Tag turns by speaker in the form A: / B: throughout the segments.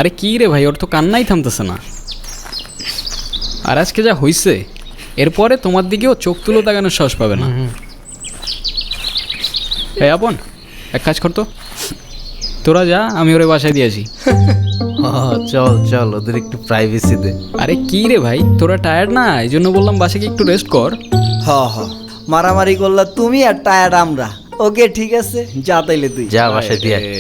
A: আরে কি রে ভাই, ওর তো কান্নাই থামতেছে না। আর আজকে যা হইছে, এরপরে তোমার দিকেও চোখ তুলো তাকানোর সাহস পাবে না। এই আপন, এক কাজ করতো, তোরা যা, আমি ওরে বাসায় দিয়েছি।
B: চল চল, ওদের একটু প্রাইভেসি দে।
A: আরে কি রে ভাই, তোরা টায়ার্ড না, এই জন্য বললাম বাসায় গিয়ে একটু রেস্ট কর।
C: হ হ, মারামারি করলা তুমি আর টায়ার্ড আমরা। ওকে ঠিক আছে, যা তাইলে তুই
B: যা বাসায় দিয়ে আয়।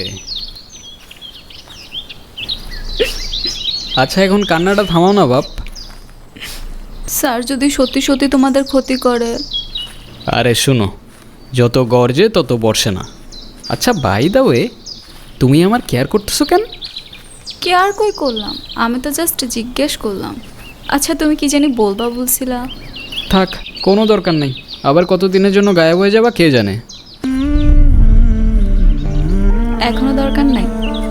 A: আচ্ছা এখন কান্নাটা থামাও না বাপ।
D: স্যার যদি সত্যি সত্যি তোমাদের ক্ষতি করে?
A: আরে শুনো, যত গর্জে তত বর্ষে না। আচ্ছা বাই দা ওয়ে, তুমি আমার কেয়ার করতেছো কেন?
D: কেয়ার কই করলাম, আমি তো জাস্ট জিজ্ঞেস করলাম। আচ্ছা তুমি কি জানি বলবা বলছিলা?
A: থাক, কোনো দরকার নেই। আবার কতদিনের জন্য গায়েব হয়ে যাবা কে জানে।
D: এখনো দরকার নাই?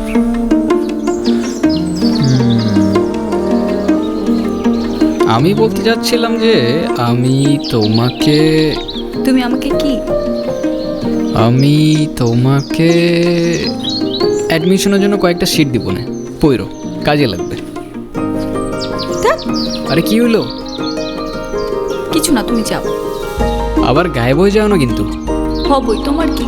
A: আমি বলতে চাচ্ছিলাম যে আমি তোমাকে
D: তুমি আমাকে কি?
A: আমি তোমাকে অ্যাডমিশনের জন্য কয়েকটা সিট দিব না, পইরো, কাজে লাগবে। আরে কি হইলো?
D: কিছু না, তুমি যাও।
A: আবার গায়েব হয়ে যাও না কিন্তু।
D: হবই, তোমার কি?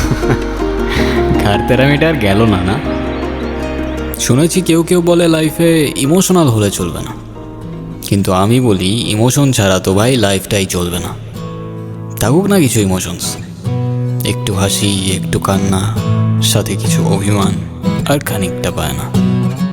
A: ঘাড় তেরামিটা আর গেল না না। শুনেছি কেউ কেউ বলে লাইফে ইমোশনাল হলে চলবে না, কিন্তু আমি বলি ইমোশন ছাড়া তো ভাই লাইফটাই চলবে না। থাকুক না কিছু ইমোশনস, একটু হাসি, একটু কান্না, সাথে কিছু অভিমান আর খানিকটা পায় না।